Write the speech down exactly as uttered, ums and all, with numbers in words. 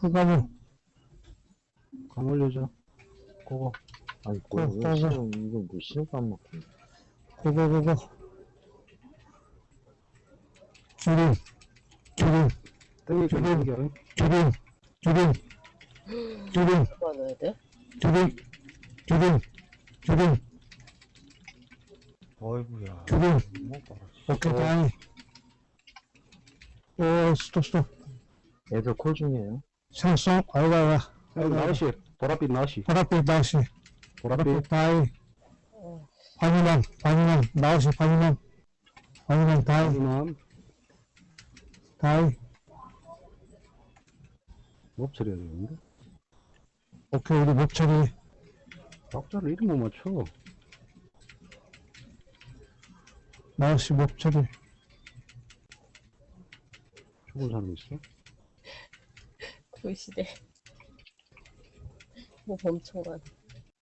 흑가무, 강 올려줘. 고고. 아이고, 고, 이거 고, 신호, 이거 뭐 신호도 안 먹고. 고고고고. 주름, 주름, 땡겨, 저기. 땡겨. 주름, 주름, 주름, 누가 넣어야 돼? 주름, 주름, 주름, 어이구야. 주름. 못 봐라. 오케이, 다행. 오, 스톱, 스톱. 애들 콜 중이에요. 생송, 아이고, 아이고. 아이고, 나시. 보랏빛 나시. 바닥빛 나오시, 보랏빛. 바닥빛 다이. 반이남, 반이남, 나오시, 반이남. 반이남, 다이, 하지만, 다이. 못 처리해야 되는데. 오케이, 우리 목처리. 박자를 이름 못 맞춰. 나오시, 목처리. 죽은 사람 있어? 도시대. 뭐 멈춰가네.